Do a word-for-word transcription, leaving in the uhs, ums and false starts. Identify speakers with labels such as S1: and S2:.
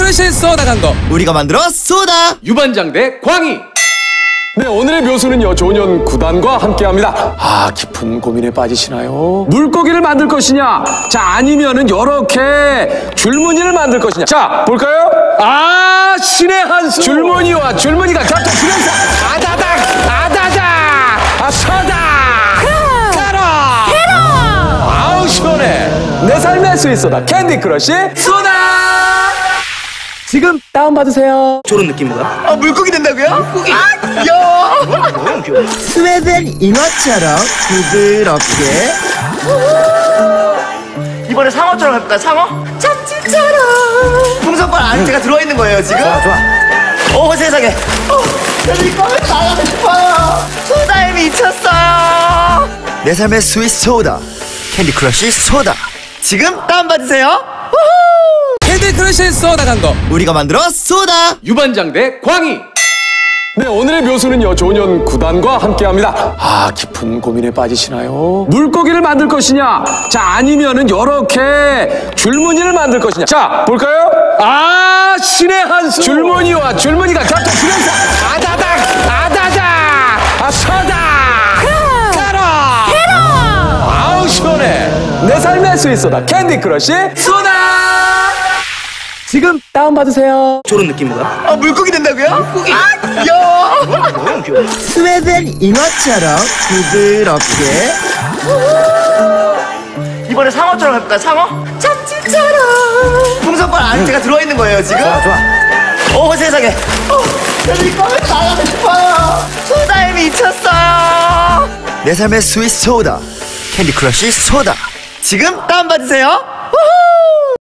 S1: 크러쉬 소다 광고
S2: 우리가 만들어 소다.
S3: 유반장 대 광희.
S4: 네, 오늘의 묘수는요, 조년 구단과 함께합니다. 아, 깊은 고민에 빠지시나요? 물고기를 만들 것이냐? 자, 아니면은 요렇게 줄무늬를 만들 것이냐? 자, 볼까요? 아, 신의 한수. 줄무늬와 줄무늬가 자, 자, 줄여서 아다닥, 아다닥, 아, 서다. 가라. 해라. 아우, 시원해. 내 삶의 스위스다. 캔디 크러쉬 소다. 지금 다운받으세요.
S2: 저런 느낌인가? 아, 물고기 된다고요? 물고기? 아, 귀여워. 너무 귀여워. 스웨덴 잉어처럼 부드럽게. 이번에 상어처럼 해볼까요? 상어? 참치처럼. 풍선발 안에가 들어있는 거예요, 지금? 좋아, 좋아. 오, 세상에. 어, 저는 이거 나가고 싶어요. 소다에 미쳤어요. 내 삶의 스위스 소다. 캔디 크러쉬 소다. 지금 다운받으세요.
S1: 캔디 크러쉬 소다 광고
S2: 우리가 만들어 소다.
S3: 유반장 대 광희.
S4: 네, 오늘의 묘수는요, 조년 구단과 함께합니다. 아, 깊은 고민에 빠지시나요? 물고기를 만들 것이냐? 자, 아니면은 요렇게 줄무늬를 만들 것이냐? 자, 볼까요? 아, 신의 한수. 줄무늬와 줄무늬가 자, 자, 줄여서 아다닥, 아다닥, 아, 서다. 가라. 해라. 아우, 시원해. 내 삶의 스위스다. 캔디 크러쉬 소다. 지금 다운받으세요.
S2: 저런 느낌인가? 아, 물고기 된다고요? 물고기? 아, 귀여워. 너무 귀여워. 스웨덴 잉어처럼 부드럽게. 이번에 상어처럼 해볼까요? 상어? 참치처럼. 풍선발 안에가 들어있는 거예요, 지금? 좋아, 좋아. 오, 세상에. 어, 저는 이거 나가고 싶어요. 소다에 미쳤어요. 내 삶의 스위스 소다. 캔디 크러쉬 소다. 지금 다운받으세요. 우후.